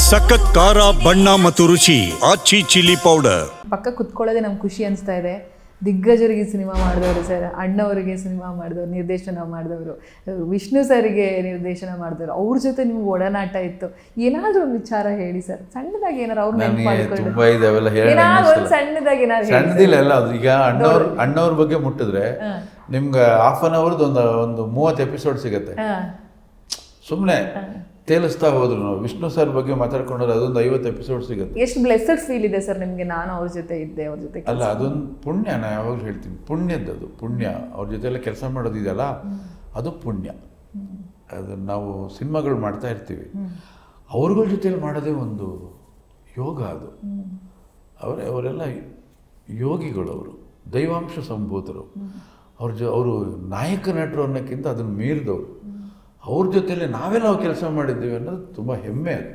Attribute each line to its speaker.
Speaker 1: ಸಖತ್ ಖಾರ ಬಣ್ಣ ಮತ್ತು ರುಚಿ ಆಚಿ ಚಿಲ್ಲಿ ಪೌಡರ್.
Speaker 2: ಪಕ್ಕ ಕುತ್ಕೊಳ್ಳೋದೇ ನಮ್ಗೆ ಖುಷಿ ಅನಿಸ್ತಾ ಇದೆ. ದಿಗ್ಗಜರಿಗೆ ಸಿನಿಮಾ ಮಾಡಿದವರು ಸರ್, ಅಣ್ಣವರಿಗೆ ಸಿನಿಮಾ ಮಾಡಿದವರು, ನಿರ್ದೇಶನ ಮಾಡಿದವರು, ವಿಷ್ಣು ಸರಿಗೆ ನಿರ್ದೇಶನ ಮಾಡಿದವರು, ಅವ್ರ ಜೊತೆ ನಿಮ್ಗೆ ಒಡನಾಟ ಇತ್ತು. ಏನಾದರೂ ಒಂದು ವಿಚಾರ ಹೇಳಿ ಸರ್, ಸಣ್ಣದಾಗಿ ಏನಾರು ಅವ್ರು ನೆನಪು ಮಾಡ್ಕೊಂಡು ಏನಾದ್ರು ಒಂದು ಸಣ್ಣದಾಗಿ ಏನಾದ್ರು
Speaker 3: ಸಣ್ಣದಿಲ್ಲ ಎಲ್ಲ. ಅದು ಈಗ ಅಣ್ಣವ್ರ ಬಗ್ಗೆ ಮುಟ್ಟಿದ್ರೆ ನಿಮ್ಗೆ ಹಾಫ್ ಅನ್ ಅವರ್ದು ಒಂದು 30 ಎಪಿಸೋಡ್ ಸಿಗುತ್ತೆ. ಸುಮ್ಮನೆ ತೇಲಿಸ್ತಾ ಹೋದ್ರು ನಾವು. ವಿಷ್ಣು ಸರ್ ಬಗ್ಗೆ ಮಾತಾಡ್ಕೊಂಡ್ರೆ ಅದೊಂದು 50 ಎಪಿಸೋಡ್ ಸಿಗುತ್ತೆ.
Speaker 2: ಎಷ್ಟು ಬ್ಲೆಸ್ಸಡ್ ಫೀಲ್ ಇದೆ ಸರ್ ನಿಮಗೆ, ನಾನು ಅವ್ರ ಜೊತೆ ಇದ್ದೆ, ಅವ್ರ ಜೊತೆ
Speaker 3: ಅಲ್ಲ ಅದೊಂದು ಪುಣ್ಯ. ನಾನು ಯಾವಾಗಲೂ ಹೇಳ್ತೀನಿ, ಪುಣ್ಯದ್ದು ಪುಣ್ಯ. ಅವ್ರ ಜೊತೆಲ್ಲ ಕೆಲಸ ಮಾಡೋದಿದೆಯಲ್ಲ, ಅದು ಪುಣ್ಯ. ಅದು ನಾವು ಸಿನಿಮಾಗಳು ಮಾಡ್ತಾ ಇರ್ತೀವಿ, ಅವ್ರಗಳ ಜೊತೆಲಿ ಮಾಡೋದೇ ಒಂದು ಯೋಗ. ಅದು ಅವರೆಲ್ಲ ಯೋಗಿಗಳು, ಅವರು ದೈವಾಂಶ ಸಂಭೂತರು. ಅವರು ನಾಯಕ ನಟರು ಅನ್ನೋಕ್ಕಿಂತ ಅದನ್ನು ಮೀರಿದವರು. ಅವ್ರ ಜೊತೆಲಿ ನಾವೆಲ್ಲ ಕೆಲಸ ಮಾಡಿದ್ದೀವಿ ಅನ್ನೋದು ತುಂಬ ಹೆಮ್ಮೆ. ಅದು